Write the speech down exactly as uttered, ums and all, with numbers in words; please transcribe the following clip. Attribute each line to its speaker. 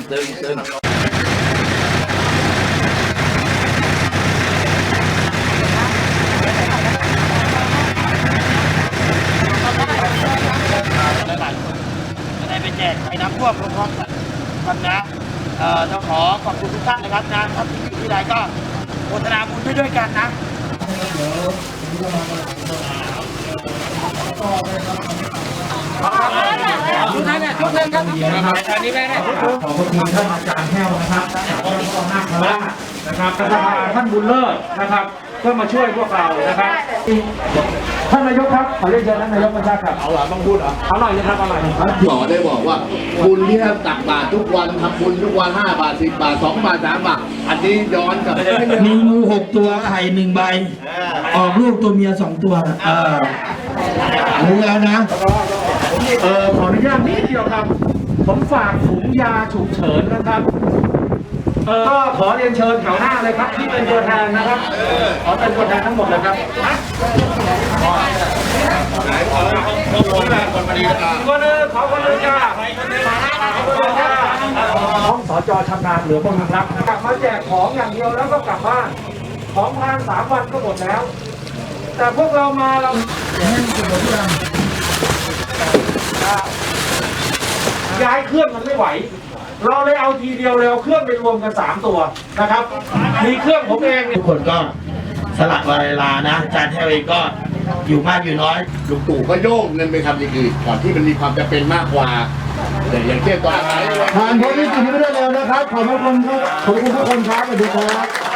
Speaker 1: ตึงตึงจะได้ไปแจกไอ้น้ำท่วมพร้อมๆกันครับนะเอ่อต้องขอขอบคุณทุกท่านนะครับนะครับที่อยู่ที่ใดก็โฆษณาบุญด้วยกันนะทุกท่านเนี่ยทุกท่านครับอันนี้แม่ขอบคุณท่านอาจารย์แห้วนะครับท่านนาคราชนะครับสภาท่านบุญเลิศนะครับก็มาช่วยพวกเรานะครับท่านนายกครับขอเรียนเชิญท่านนายกมาครับเอาหล่ะต้องพูดเหรอเอาหน่อยนะครับเอาหน่อยครับ
Speaker 2: หมอได้บอกว่าบุญที่ท่านตักบาตรทุกวันทำบุญทุกวันห้าบาทสิบบาทสองบาทสามบาทอันนี้ย้อนกลับ
Speaker 3: มีงูหกตัวไข่หนึ่งใบออกลูกตัวเมียสองตัวเออรู้แล้วนะ
Speaker 1: เออขออนุญาตนิดเดียวครับผมฝากถุงยาฉุกเฉินนะครับเออก็ขอเรียนเชิญแถวหน้าเลยครับที่เป็นตัวแทนนะครับขอเป็นตัวแทนทั้งหมดเลยครับคนนึงขอคนนึงจ้าห้องสจชำนาญเหลือพวกนึงครับกลับมาแจกของอย่างเดียวแล้วก็กลับบ้านของทานสามวันก็หมดแล้วแต่พวกเรามาเราย้ายเครื่องมันไม่ไหวเราเลยเอาทีเดียวเลยเอาเครื่องไปรวมกันสามตัวนะครับมีเครื่องผมเอง
Speaker 3: ทุกคนก็สละเวลานะอาจารย์แท้เองก็อยู่มากอยู่น้อย
Speaker 2: ลุงตู่ก็โยกเงินไปทำอย่างอื่นก่อนที่มันมีความจำเป็นมากกว่าแต่อย่างเช่นตอนนี้
Speaker 1: ผ่านพ้นวิกฤตนี้ไปได้แล้วนะครับขอบคุณครับขอบคุณทุกคนครับสวัสดีครับ